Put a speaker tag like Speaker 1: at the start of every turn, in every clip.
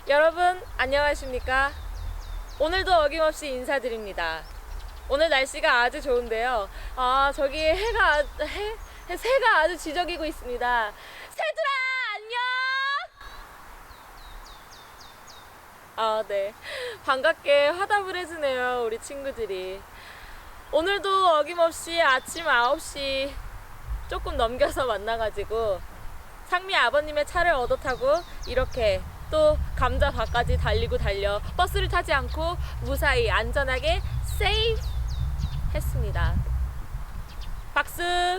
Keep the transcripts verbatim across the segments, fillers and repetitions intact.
Speaker 1: 여러분 안녕하십니까? 오늘도 어김없이 인사드립니다. 오늘 날씨가 아주 좋은데요. 아 저기 해가 아- 해, 해 새가 아주 지저귀고 있습니다. 새들아 안녕. 아 네, 반갑게 화답을 해주네요 우리 친구들이. 오늘도 어김없이 아침 아홉 시 조금 넘겨서 만나가지고 상미 아버님의 차를 얻어 타고 이렇게 또 감자밭까지 달리고 달려 버스를 타지 않고 무사히 안전하게 세이프 했습니다. 박수.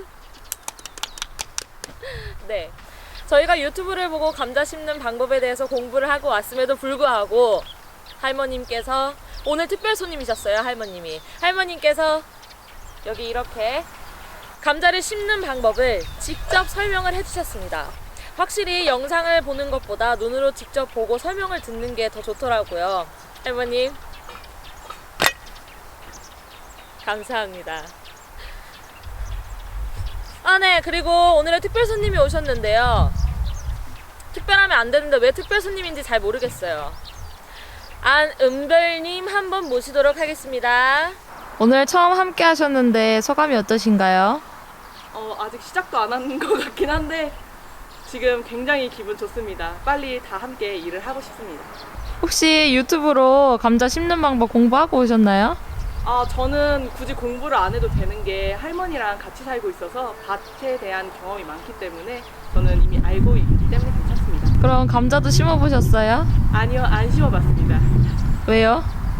Speaker 1: 네, 저희가 유튜브를 보고 감자 심는 방법에 대해서 공부를 하고 왔음에도 불구하고 할머님께서 오늘 특별 손님이셨어요. 할머님이 할머님께서 여기 이렇게 감자를 심는 방법을 직접 설명을 해주셨습니다. 확실히 영상을 보는 것보다 눈으로 직접 보고 설명을 듣는 게 더 좋더라고요. 할머님 감사합니다. 아 네, 그리고 오늘의 특별 손님이 오셨는데요. 특별하면 안 되는데 왜 특별 손님인지 잘 모르겠어요. 안은별님 한번 모시도록 하겠습니다. 오늘 처음 함께 하셨는데 소감이 어떠신가요?
Speaker 2: 어, 아직 시작도 안 한 것 같긴 한데 지금 굉장히 기분 좋습니다. 빨리 다 함께 일을 하고 싶습니다.
Speaker 1: 혹시 유튜브로 감자 심는 방법 공부하고 오셨나요?
Speaker 2: 아, 저는 굳이 공부를 안 해도 되는 게 할머니랑 같이 살고 있어서 밭에 대한 경험이 많기 때문에 저는 이미 알고 있기 때문에 괜찮습니다.
Speaker 1: 그럼 감자도 심어보셨어요?
Speaker 2: 아니요, 안 심어봤습니다.
Speaker 1: 왜요?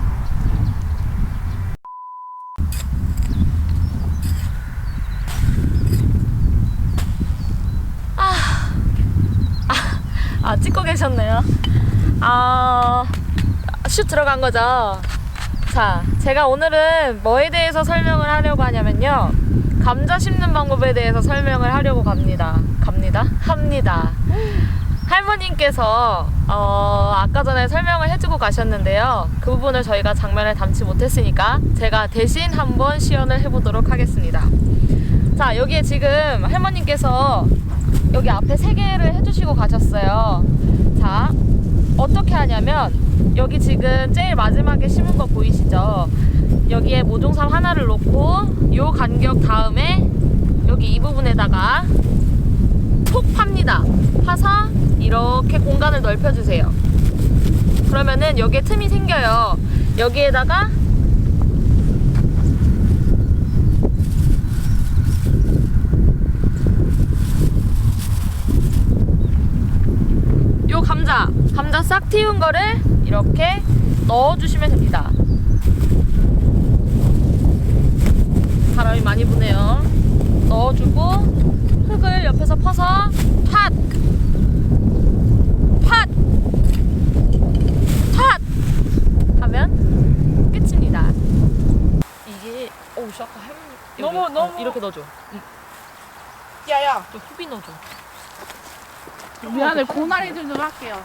Speaker 1: 아, 찍고 계셨네요. 아, 슛 들어간 거죠. 자, 제가 오늘은 뭐에 대해서 설명을 하려고 하냐면요. 감자 심는 방법에 대해서 설명을 하려고 갑니다. 갑니다? 합니다. 할머님께서 어, 아까 전에 설명을 해주고 가셨는데요. 그 부분을 저희가 장면을 담지 못했으니까 제가 대신 한번 시연을 해보도록 하겠습니다. 자, 여기에 지금 할머님께서 여기 앞에 세 개를 해주시고 가셨어요. 자, 어떻게 하냐면 여기 지금 제일 마지막에 심은 거 보이시죠? 여기에 모종삽 하나를 놓고 요 간격 다음에 여기 이 부분에다가 톡 팝니다. 파서 이렇게 공간을 넓혀주세요. 그러면은 여기에 틈이 생겨요. 여기에다가 요 감자, 감자 싹 틔운 거를 이렇게 넣어주시면 됩니다. 바람이 많이 부네요. 넣어주고 흙을 옆에서 퍼서 팥! 팥! 팥! 하면 끝입니다. 이게 어우 씨 아까 할머니 여기,
Speaker 2: 너무,
Speaker 1: 어,
Speaker 2: 너무.
Speaker 1: 이렇게 넣어줘.
Speaker 2: 야야,
Speaker 1: 좀 후비 넣어줘.
Speaker 3: 미안해, 고나리 좀 좀 할게요.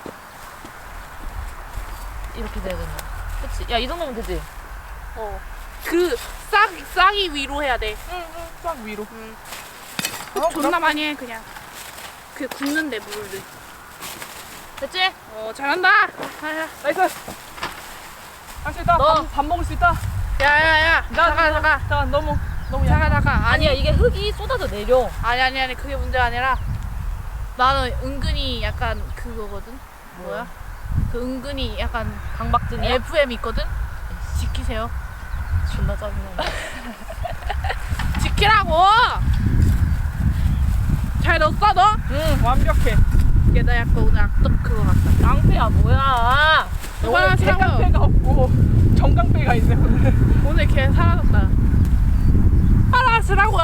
Speaker 1: 이렇게 돼야 된다. 그치? 야, 이 정도면 되지?
Speaker 3: 어. 그 싹, 싹이 위로 해야 돼.
Speaker 2: 응, 응, 싹 위로.
Speaker 3: 응.
Speaker 2: 어,
Speaker 3: 존나 많이 해, 그냥. 그 굽는데 물을.
Speaker 1: 됐지?
Speaker 3: 어, 잘한다. 야,
Speaker 2: 나이스. 할 수 있다.
Speaker 1: 너.
Speaker 2: 밥, 밥 먹을 수 있다.
Speaker 3: 야, 야, 야.
Speaker 2: 나,
Speaker 3: 잠깐, 잠깐.
Speaker 2: 잠깐, 너무, 너무
Speaker 3: 잠깐,
Speaker 2: 약.
Speaker 3: 잠깐. 아니,
Speaker 1: 아니야, 이게 흙이 쏟아져 내려.
Speaker 3: 아니, 아니, 아니. 그게 문제가 아니라 나는 은근히 약간 그거거든. 뭐야? 그 은근히 약간
Speaker 1: 강박증이야?
Speaker 3: 에프엠 있거든? 지키세요.
Speaker 1: 존나 짜증나.
Speaker 3: 지키라고! 잘 넣었어, 너?
Speaker 2: 응, 완벽해.
Speaker 3: 얘 나 약간 오늘 악덕 그거 같다.
Speaker 1: 깡패야, 뭐야.
Speaker 3: 오늘
Speaker 2: 오늘 대강패가 없고 정강패가 있네 오늘.
Speaker 3: 오늘 걔 사라졌다. 사라지라고요?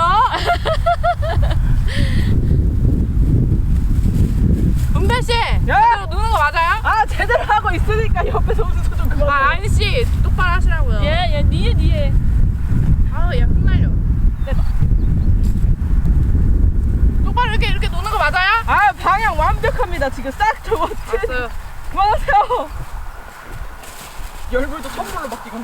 Speaker 3: 은별씨! 제대로 누는 거 맞아요?
Speaker 2: 아, 제대로 하고 있으니까 옆에서 웃어서 좀 그만.
Speaker 3: 아, 아니씨. 똑바로 하시라고요.
Speaker 1: 얘, 얘, 니에, 니에.
Speaker 3: 아우, 얘 흩날려. 똑바로 이렇게, 이렇게 노는 거 맞아요?
Speaker 2: 아, 방향 완벽합니다. 지금 싹 저거.
Speaker 3: 알았어요.
Speaker 2: 그만하세요. 열불도 선물로 바뀌고.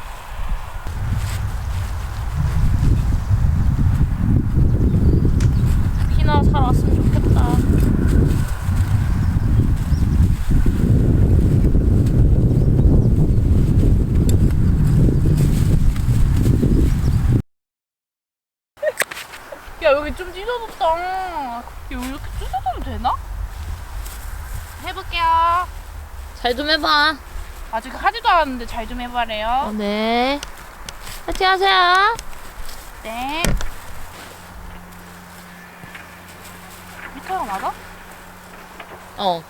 Speaker 1: 피나 사러 왔으면 좋겠다.
Speaker 3: 해볼게요.
Speaker 1: 잘 좀 해봐.
Speaker 3: 아직 하지도 않았는데 잘 좀
Speaker 1: 어,
Speaker 3: 해봐래요.
Speaker 1: 네. 파이팅 하세요.
Speaker 3: 네. 미터가 맞아?
Speaker 1: 어.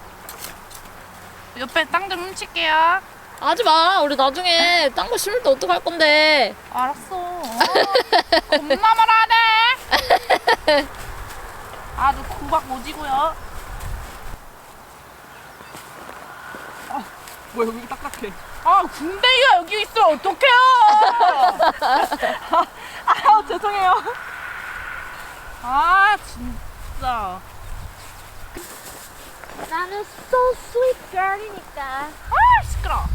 Speaker 3: 옆에 땅 좀 훔칠게요.
Speaker 1: 하지 마. 우리 나중에 딴 거 심을 때 어떡할 건데.
Speaker 3: 알았어. 어, 겁나 말하네. 아주 구박 오지고요.
Speaker 2: 뭐야 여기 딱딱해.
Speaker 3: 아, 군대가 여기 있으면 어떡해요?
Speaker 2: 아 죄송해요.
Speaker 3: 아, 진짜.
Speaker 1: 나는 so sweet girl이니까.
Speaker 3: 아, 시끄러.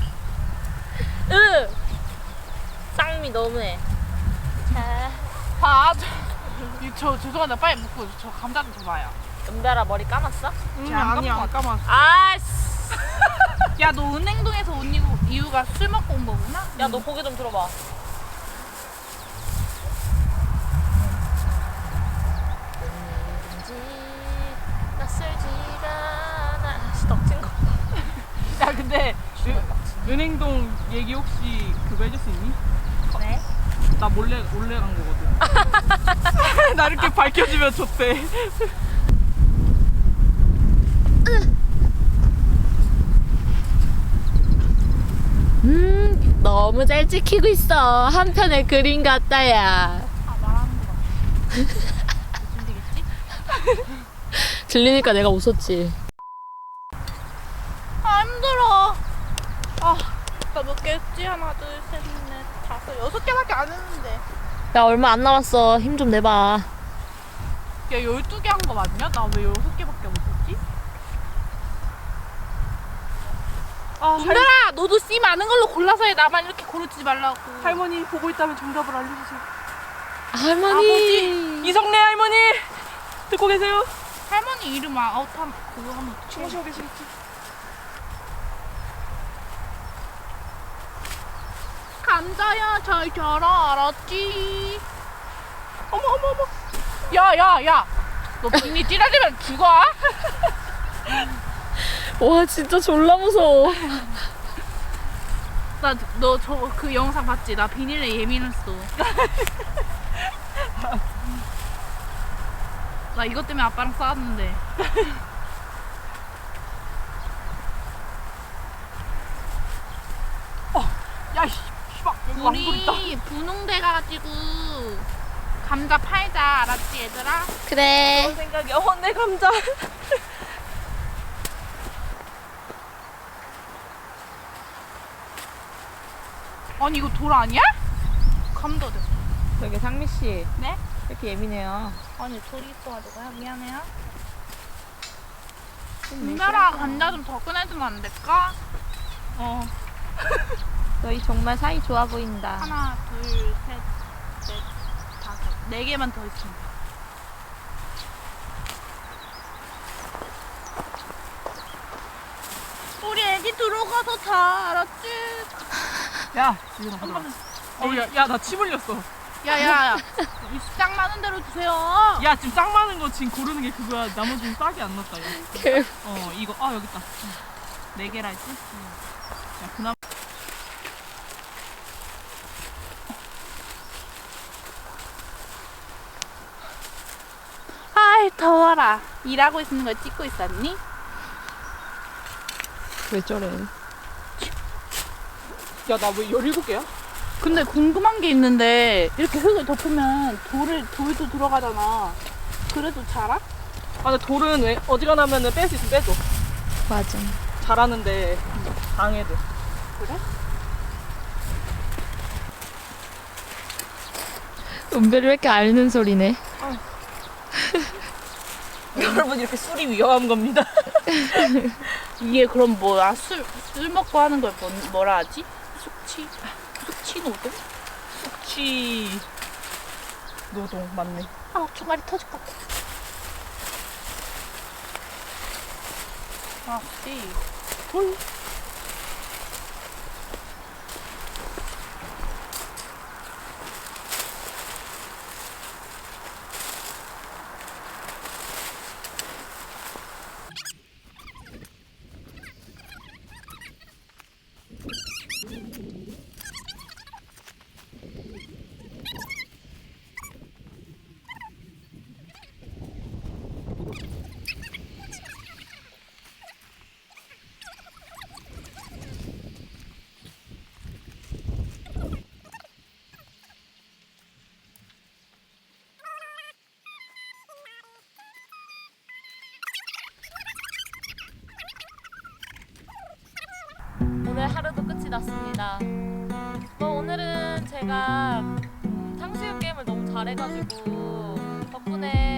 Speaker 1: 으. 쌍미 너무해. 자,
Speaker 3: 아, 저, 이, 저 죄송한데 빨리 먹고 저 감자 좀 줘봐요.
Speaker 1: 은별아 머리 감았어?
Speaker 2: 음,
Speaker 3: 안
Speaker 2: 아니야 안 감았어.
Speaker 1: 아이씨.
Speaker 3: 야, 너 은행동에서 온 이유, 이유가 술 먹고 온 거구나?
Speaker 1: 야, 너 고개 좀 들어봐. 낯설지가 않아. 씨, 덕진 거.
Speaker 2: 야 근데 은, 은행동 얘기 혹시 그거 해줄 수 있니?
Speaker 1: 네?
Speaker 2: 나 몰래 몰래 간 거거든. 나 이렇게 밝혀주면 좋대.
Speaker 1: 음, 너무 잘 찍히고 있어. 한편의 그림 같다야.
Speaker 3: 아, 말하는 거 같아. 들리겠지?
Speaker 1: 들리니까 내가 웃었지.
Speaker 3: 아, 힘들어. 아, 나 몇 개 했지? 하나, 둘, 셋, 넷, 다섯, 여섯 개밖에 안 했는데.
Speaker 1: 야, 얼마 안 남았어. 힘 좀 내봐.
Speaker 3: 야, 열두 개 한 거 맞냐? 나 왜 여섯 개밖에 못했지?
Speaker 2: 아 할,
Speaker 3: 은별아, 너도 씨 많은 걸로 골라서 해. 나만 이렇게 고르지 말라고.
Speaker 2: 할머니 보고 있다면 정답을 알려주세요.
Speaker 1: 할머니.
Speaker 2: 이성래 할머니 듣고 계세요?
Speaker 3: 할머니 이름 아웃하면 그거 하면 어떡해.
Speaker 2: 주무시고 계시겠지?
Speaker 3: 감자야, 잘 자라, 알았지?
Speaker 2: 어머 어머 어머.
Speaker 3: 야, 야, 야. 너 비니 찌라지면 죽어?
Speaker 1: 와, 진짜 졸라 무서워.
Speaker 3: 나 너 저 그 영상 봤지? 나 비닐에 예민했어. 나 이것 때문에 아빠랑 싸웠는데.
Speaker 2: 야이 씨발 여기 왕돌 있다.
Speaker 3: 우리 분홍대 가가지고 감자 팔자, 알았지 얘들아?
Speaker 1: 그래.
Speaker 2: 그런 생각이 어내 감자.
Speaker 3: 아니 이거 돌 아니야? 감자 됐어.
Speaker 2: 저기 상미 씨
Speaker 3: 네?
Speaker 2: 이렇게 예민해요.
Speaker 3: 아니 돌이 있어가지고요. 미안해요. 은별아, 감자 좀 더 꺼내주면 안 될까?
Speaker 2: 어.
Speaker 1: 너희 정말 사이 좋아 보인다.
Speaker 3: 하나, 둘, 셋, 넷, 다섯. 네 개만 더 있으면 돼. 우리 애기 들어가서 자, 알았지?
Speaker 2: 야 지금
Speaker 3: 한 번만.
Speaker 2: 어야야 나 침 흘렸어.
Speaker 3: 야야야, 딱 많은 대로 주세요.
Speaker 2: 야 지금 딱 많은 거 지금 고르는 게 그거야. 나머지는 싹이 안 났다. 야.
Speaker 1: 개.
Speaker 2: 어 이거 아 여기 있다. 네 개라 했지? 야 그나마
Speaker 3: 아이 더워라. 일하고 있는 걸 찍고 있었니?
Speaker 1: 왜 저래?
Speaker 2: 야 나 왜 열일곱 개야?
Speaker 3: 근데 궁금한 게 있는데 이렇게 흙을 덮으면 돌을 돌도 들어가잖아. 그래도 자라?
Speaker 2: 아 근데 돌은 왜 어지간하면은 뺄 수 있으면 빼줘.
Speaker 1: 맞아.
Speaker 2: 잘하는데 방해돼.
Speaker 3: 그래?
Speaker 1: 은별이 왜 이렇게 앓는 소리네?
Speaker 2: 여러분 이렇게 술이 위험한 겁니다.
Speaker 3: 이게 그럼 뭐야? 술, 술 먹고 하는 걸 뭐, 뭐라 하지? 숙취? 숙취 노동?
Speaker 2: 숙취 노동 맞네.
Speaker 3: 아, 종아리 터질 것 같아. 아, 씨. 돌.
Speaker 1: 오늘 하루도 끝이 났습니다. 뭐 오늘은 제가 음, 탕수육 게임을 너무 잘해가지고 덕분에